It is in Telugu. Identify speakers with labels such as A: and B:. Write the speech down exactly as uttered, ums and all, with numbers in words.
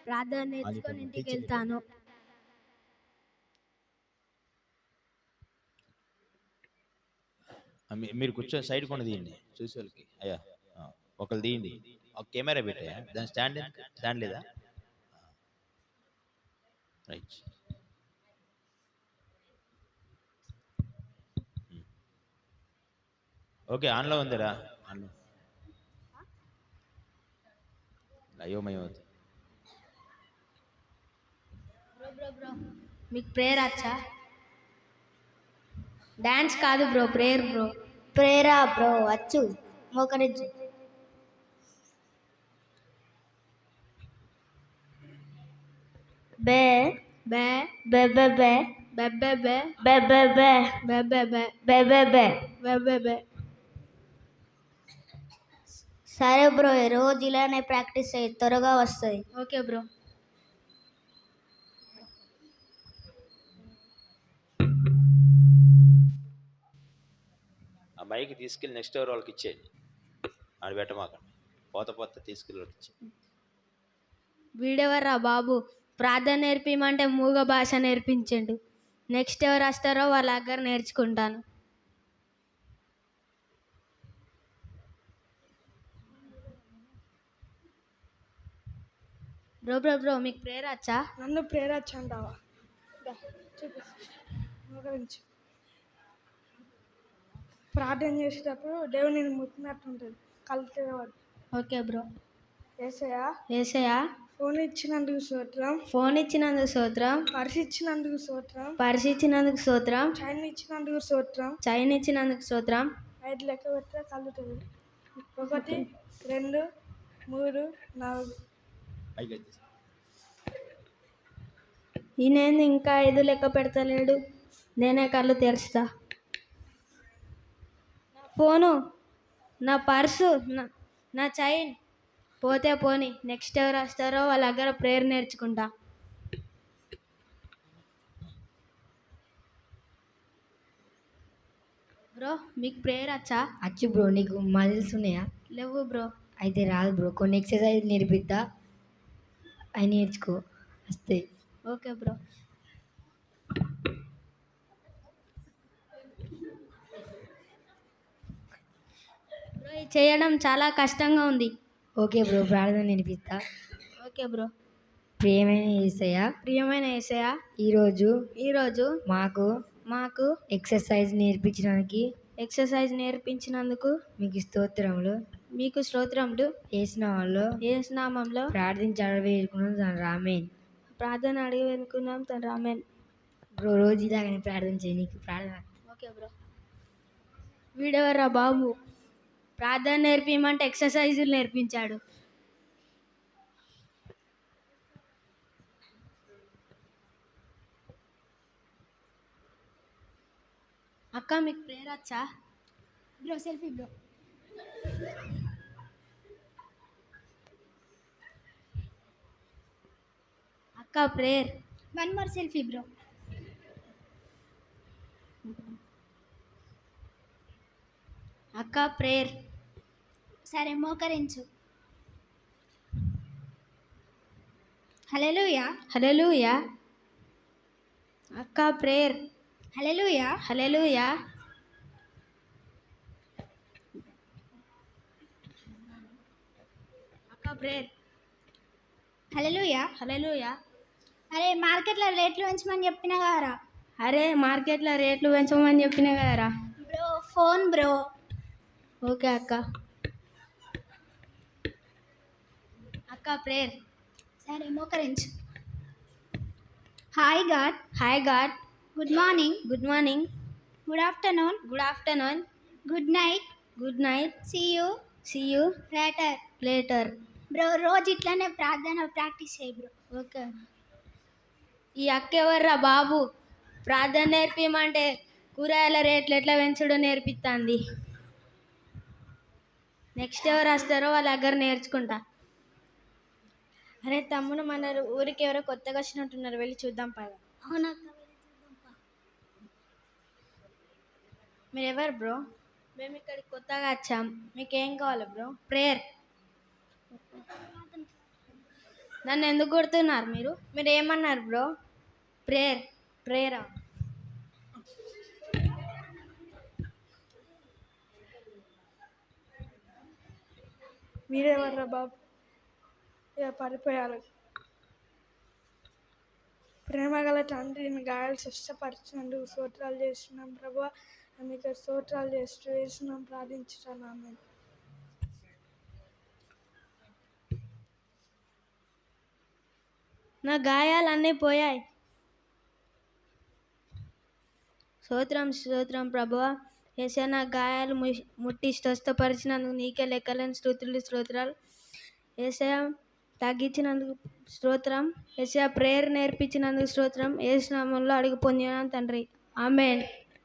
A: ప్రార్థన నేర్చుకొని ఇంటికి వెళ్తాను.
B: మీరు కూర్చొని సైడ్ కొన్ని తీయండి చూసి వాళ్ళకి. అయ్యా ఒకళ్ళు తీయండి. ఒక కెమెరా పెట్టా, దాని స్టాండ్ స్టాండ్ లేదా? రైట్. ఓకే, ఆన్లో ఉందిరా. ఆన్లో అయోమయం అవుతుంది.
A: మీకు ప్రేయర్ వచ్చా? డాన్స్ కాదు బ్రో, ప్రేయర్ బ్రో.
C: ప్రేయరా బ్రో? వచ్చు, మోకరించు. బే
A: బే
C: బే బే బే
A: బె బె బె
C: బే బే బే
A: బె బె బె
C: బే బే బే
A: బె బె బె.
C: సరే బ్రో, రోజు ఇలానే ప్రాక్టీస్ అయ్యి త్వరగా వస్తుంది.
A: Okay bro.
B: ఆ మైక్ తీసుకెళ్ళి నెక్స్ట్ ఎవరు వాళ్ళకి ఇచ్చేయండి. ఆడ పెట్టమాకండి, పోత పోత తీసుకెళ్ళి వాళ్ళకి ఇచ్చేయండి.
A: వీడెవర్రా బాబు, ప్రార్థన నేర్పిమంటే మూగ భాష నేర్పించండు. నెక్స్ట్ ఎవరు వస్తారో వాళ్ళ దగ్గర నేర్చుకుంటాను. బ్రో బ్రో బ్రో మీకు ప్రేయర్ వచ్చా?
D: నన్ను ప్రేయర్ వచ్చా అంటావా? గురించి ప్రార్థన చేసేటప్పుడు దేవుడు నేను ముట్టినట్టు ఉంటుంది, కళ్ళు తెరవద్దు.
A: Okay bro.
D: Yesayya
A: Yesayya
D: phone ఇచ్చినందుకు స్తోత్రం.
A: ఫోన్ ఇచ్చినందుకు స్తోత్రం.
D: పర్స్ ఇచ్చినందుకు స్తోత్రం.
A: పర్స్ ఇచ్చినందుకు స్తోత్రం.
D: చైన్ ఇచ్చినందుకు స్తోత్రం.
A: చైన్ ఇచ్చినందుకు స్తోత్రం.
D: ఐదు లెక్క పెడితే కళ్ళు తెరవదు. ఒకటి, రెండు, మూడు, నాలుగు.
A: ఈయనేంది ఇంకా ఐదు లెక్క పెడతలేడు? నేనే కళ్ళు తెరుస్తా. ఫోను, నా పర్సు, నా నా చైన్ పోతే పోని. నెక్స్ట్ ఎవరు వస్తారో వాళ్ళ దగ్గర ప్రేయర్ నేర్చుకుంటా. బ్రో మీకు ప్రేయర్ వచ్చా?
C: వచ్చు బ్రో. నీకు మజిల్స్ ఉన్నాయా?
A: లేవు బ్రో.
C: అయితే రాదు బ్రో, కొన్ని ఎక్సర్సైజ్ నేర్పిద్దా, అవి నేర్చుకో, వస్తాయి.
A: Okay bro. బ్రో ఇది చేయడం చాలా కష్టంగా ఉంది.
C: ఓకే బ్రో, ప్రార్థన నేర్పిస్తా.
A: Okay bro.
C: ప్రియమైన యేసయ్యా,
A: ప్రియమైన యేసయ్యా
C: ఈరోజు
A: ఈరోజు
C: మాకు
A: మాకు
C: ఎక్సర్సైజ్ నేర్పించడానికి
A: ఎక్సర్సైజ్ నేర్పించినందుకు
C: మీకు స్తోత్రములు.
A: మీకు స్తోత్రములు.
C: యేసు నామములో
A: యేసు నామములో
C: ప్రార్థించి అడవేరుకున్నాం తండ్రి, ఆమేన్.
A: ప్రార్థన అడిగి వెనుకున్నాం తండ్రి, ఆమేన్.
C: బ్రో రోజు ఇలాగనే ప్రార్థన చేయి, నీకు ప్రార్థన.
A: Okay bro. వీడెవర్రా బాబు, ప్రార్థన నేర్పిమంటే ఎక్సర్సైజులు నేర్పించాడు. అక్క మీకు ప్రేయర్ వచ్చా?
E: Bro selfie bro.
A: అక్క prayer.
E: One more selfie bro.
A: అక్క ప్రేయర్.
E: సరే మోకరించు. హల్లెలూయా
A: హల్లెలూయా. అక్క ప్రేయర్.
E: హల్లెలూయా
A: హల్లెలూయా. అక్క ప్రేయర్.
E: హల్లెలూయా
A: హల్లెలూయా.
E: అరే మార్కెట్లో రేట్లు పెంచమని చెప్పిన కదరా.
A: అరే మార్కెట్లో రేట్లు పెంచమని చెప్పినా కదరా.
E: Bro phone bro.
A: ఓకే అక్క. అక్క ప్రేయర్.
E: సరే మోకరించు. Hi God.
A: Hi God.
E: Good morning.
A: Good morning.
E: Good afternoon.
A: Good afternoon.
E: Good night.
A: Good night.
E: See you.
A: See you
E: later.
A: Later.
E: Bro రోజు ఇట్లానే ప్రార్థన ప్రాక్టీస్ చేయి బ్రో.
A: ఓకే. ఈ అక్క ఎవర్రా బాబు, ప్రార్థన నేర్పిమంటే కూరగాయల రేట్లు ఎట్లా పెంచుడో నేర్పిస్తుంది. నెక్స్ట్ ఎవరు వస్తారో వాళ్ళ దగ్గర నేర్చుకుంటా.
D: అరే తమ్ముడు, మన ఊరికి ఎవరో కొత్తగా వచ్చినట్టున్నారు, వెళ్ళి చూద్దాం పద.
E: అవునా?
D: మీరు ఎవరు బ్రో?
A: మేము ఇక్కడికి కొత్తగా వచ్చాం.
D: మీకేం కావాలి బ్రో?
A: ప్రేయర్. నన్ను ఎందుకు కొడుతున్నారు మీరు?
F: మీరు ఏమన్నారు బ్రో?
A: ప్రేయర్.
F: ప్రేయరా?
D: మీరెవర్రా బాబు? ఇక పడిపోయారు. ప్రేమగల తండ్రి, మీ గాయాలు స్వస్థపరిచినందుకు స్తోత్రాలు చేస్తున్నాం ప్రభువా. మీకు స్తోత్రాలు చేస్తూ వేస్తున్నాం, ప్రార్థించుతాను. ఆమేన్.
A: నా గాయాలన్నీ పోయాయి. స్తోత్రం స్తోత్రం ప్రభువా. యేసయ్య, నా గాయాలు ము- ముట్టి స్వస్థపరిచినందుకు నీకే లెక్కలేని స్తుతులు స్తోత్రాలు. యేసయ్య, తగ్గించినందుకు స్తోత్రం. యేసయ్య, ప్రేయర్ నేర్పించినందుకు స్తోత్రం. యేసు నామములో అడిగి పొందినాను తండ్రి. ఆమేన్.